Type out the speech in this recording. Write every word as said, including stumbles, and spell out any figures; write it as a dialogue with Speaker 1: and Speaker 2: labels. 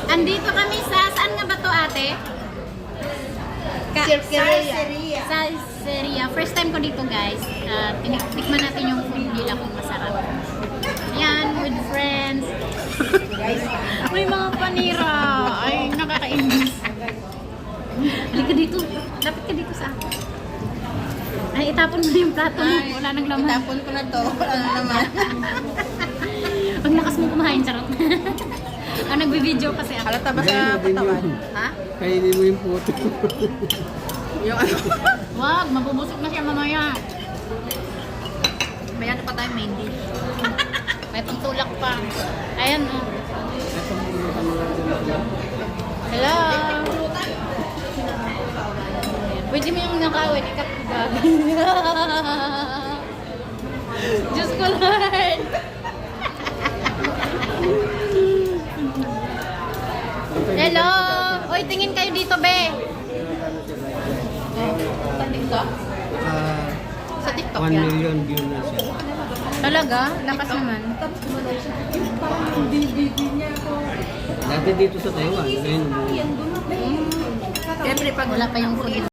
Speaker 1: Andito kami sa, saan nga ba to ate? Ka
Speaker 2: Salseria.
Speaker 1: Salseria. First time ko dito guys. Uh, Tikman natin yung food nila kung masarap. Yan, with friends. May mga panira. Ay, nakakainis. Halika dito. Lapit ka dito sa akin. Ay, itapon mo na yung plato mo. Wala nang laman.
Speaker 2: Itapon ko na to. Wala na naman.
Speaker 1: Ang lakas mo kumain, charot. Ah, nagbi-video kasi ako.
Speaker 2: Halata ba sa katawan? Ha?
Speaker 3: Kainin mo yung puto.
Speaker 2: Yung ano?
Speaker 1: Wag, mabubusog na siya mamaya.
Speaker 2: May ano pa tayo main dish.
Speaker 1: May pantulak pa. Ayan, oh. Hello. Pwede mo yung nakawin, ikapibag. Diyos ko, Lord. Hello. Uy, tingin kayo dito, be.
Speaker 2: Sa TikTok?
Speaker 3: Ah,
Speaker 2: Sa TikTok
Speaker 3: one
Speaker 2: yan?
Speaker 3: million view na siya.
Speaker 1: Talaga? Lakas naman.
Speaker 3: Dati dito sa Taiwan. Ngayon,
Speaker 2: Siyempre pag
Speaker 1: Wala pa yung food.